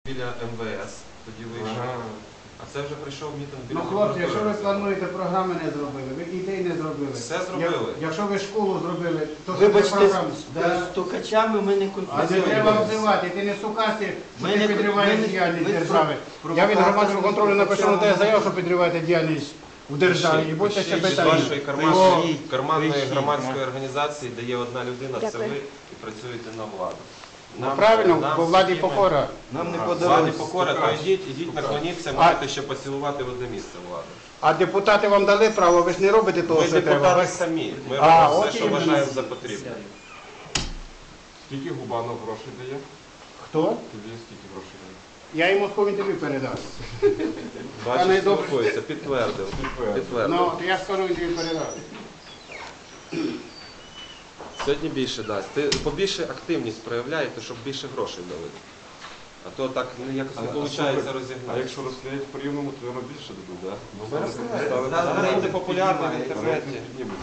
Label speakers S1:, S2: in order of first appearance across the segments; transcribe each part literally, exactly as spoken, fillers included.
S1: Біля ем ве ес тоді вийшов. Ага. А це вже прийшов мітинг біля...
S2: Ну, хлопці, якщо ви плануєте, програми не зробили, ви ідей не зробили.
S1: Все зробили.
S2: Я, якщо ви школу зробили, то
S3: вибачте,
S2: програму.
S3: з да. стукачами ми не
S2: А не треба обзивати, ти не сукасти, що ти підриваєш діяльність держави. Я від громадського контролю напишу на те заяву, що підриваєте діяльність в державі. І будьте ще
S1: З
S2: питання.
S1: вашої карманної, карманної громадської організації, де є одна людина, це ви, і працюєте на владу.
S2: Нам, ну, правильно, нам бо владі покора.
S3: Нам не
S1: подобається. Владі покора, то йдіть, ідіть, наклоніться, можете ще поцілувати в одне місце влади.
S2: А депутати вам дали право, ви ж не робите того,
S1: ми
S2: що треба.
S1: Ми депутати самі, ми
S2: а,
S1: робимо все, що вважаємо за потрібне.
S4: Скільки Губанов грошей дає?
S2: Хто?
S4: Тобі скільки грошей дає?
S2: Я йому сховін тобі передав.
S1: Бачиш, спілкується, підтвердив.
S2: Підтвердив. Ну, то я скажу, він тобі передав.
S1: Сьогодні більше дасть. Ти побільше активність проявляєте, щоб більше грошей дали. А то так якось не виходить розігнати.
S4: А якщо розстрілять по рівному, то воно більше дадуть, так?
S1: Ну, ви розстріляєте. Зараз буде популярно в інтернеті.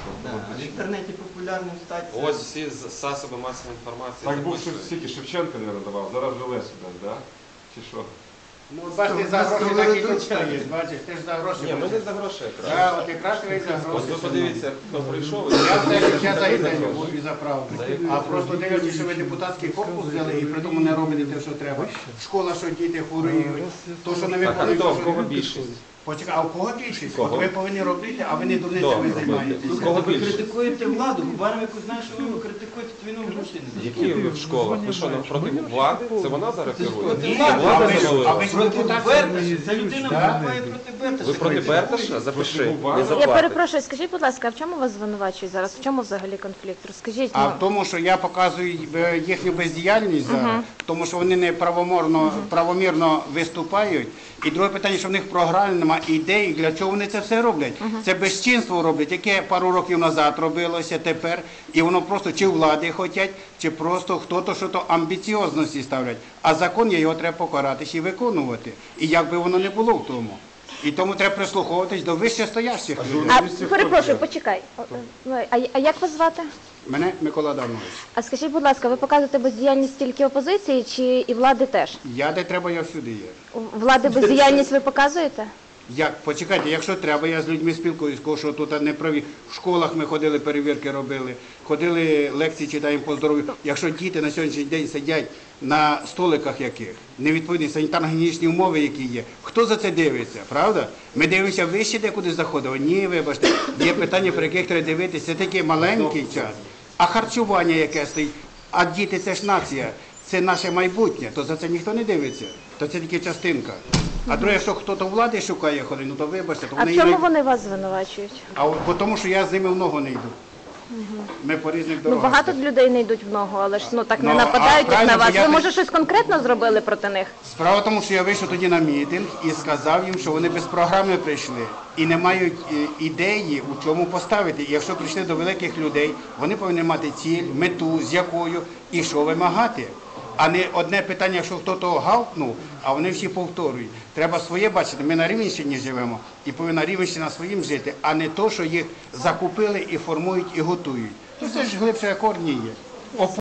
S3: В інтернеті популярним стати.
S1: Ось всі засоби масової інформації.
S4: Так був стільки Шевченка не надавав, зараз вже Лесю дасть, так? Чи що?
S2: Ну, бачите, за гроші так і тут стоїть, бачиш, ти ж за гроші.
S1: Ні, ми не за гроші якраз.
S2: Так, от якраз ви за гроші.
S1: Ось ви подивіться, хто прийшов.
S2: Я все життя за ідею був і за правду. А просто дивлячись, що ви депутатський корпус взяли і при тому не робите те, що треба. Школа, що діти хворіють, то, що не
S1: Так, а
S2: виконують.
S1: хто, в кого більшість?
S2: Почекай, а в кого більшість?
S1: Кого?
S2: От ви повинні робити, а ви не дурницями займаєтесь.
S1: З кого
S3: Ви
S1: більше?
S3: критикуєте владу, Губанов, яку знаєш, що ви критикуєте, то він вам грошей не дає.
S1: Які ви в школах? Ви що, проти влади? Це вона зараз керує?
S3: проти
S1: Це
S3: влади.
S2: А
S1: влада
S2: ви ж- а
S1: завалила.
S2: ви ж
S3: Проти
S2: депутат.
S3: Берташа, ця людина виступає проти Берташа.
S1: Ви проти Берташа? Запиши. Не
S5: Я
S1: заплатить.
S5: перепрошую, скажіть, будь ласка, а в чому вас звинувачують зараз? В чому взагалі конфлікт? Розкажіть.
S2: А
S5: ну.
S2: в тому, що я показую е, їхню бездіяльність зараз, тому що вони не правомірно, правомірно виступають. І друге питання, що в них програми немає ідей, для чого вони це все роблять. Це безчинство роблять, яке пару років назад робилося тепер, і воно просто чи влади хочуть, чи просто хто-то, що то амбіціозності ставлять. А закон є, його треба покаратись і виконувати. І як би воно не було в тому. І тому треба прислуховуватись до вищестоящих людей.
S5: А, перепрошую, почекай. А, а як вас звати?
S2: Мене Микола Адамович.
S5: А скажіть, будь ласка, ви показуєте бездіяльність тільки опозиції чи і влади теж?
S2: Я де треба, я всюди є.
S5: У Влади бездіяльність ви показуєте?
S2: Як? Почекайте, якщо треба, я з людьми спілкуюсь, кого що тут не праві. В школах ми ходили, перевірки робили, ходили, лекції читаємо по здоров'ю. Якщо діти на сьогоднішній день сидять на столиках яких, невідповідні санітарно-гігієнічні умови, які є, хто за це дивиться, правда? Ми дивимося вище, де куди заходимо. Ні, вибачте, є питання, про яких треба дивитися. Це такий маленький час. А харчування яке стоїть, а діти це ж нація, це наше майбутнє, то за це ніхто не дивиться, то це тільки частинка. А друге, якщо хтось влади шукає ходи, ну то вибачте, то
S5: А
S2: вони...
S5: в чому
S2: не-
S5: вони вас звинувачують?
S2: А от, бо тому, що я з ними в ногу не йду. Ми по різних
S5: Ну,
S2: дорогах.
S5: багато людей не йдуть в ногу, але ж ну так не
S2: Ну,
S5: нападають
S2: а
S5: як на
S2: правильно,
S5: вас.
S2: бо я
S5: Ви,
S2: не-
S5: може, щось конкретно зробили проти них?
S2: Справа в тому, що я вийшов тоді на мітинг і сказав їм, що вони без програми прийшли і не мають е, ідеї, у чому поставити. І якщо прийшли до великих людей, вони повинні мати ціль, мету, з якою і що вимагати. А не одне питання, якщо хтось гавкнув, а вони всі повторюють. Треба своє бачити. Ми на Рівненщині живемо і повинна Рівненщина своїм жити, а не то, що їх закупили і формують і готують. Ну це ж глибше корні є.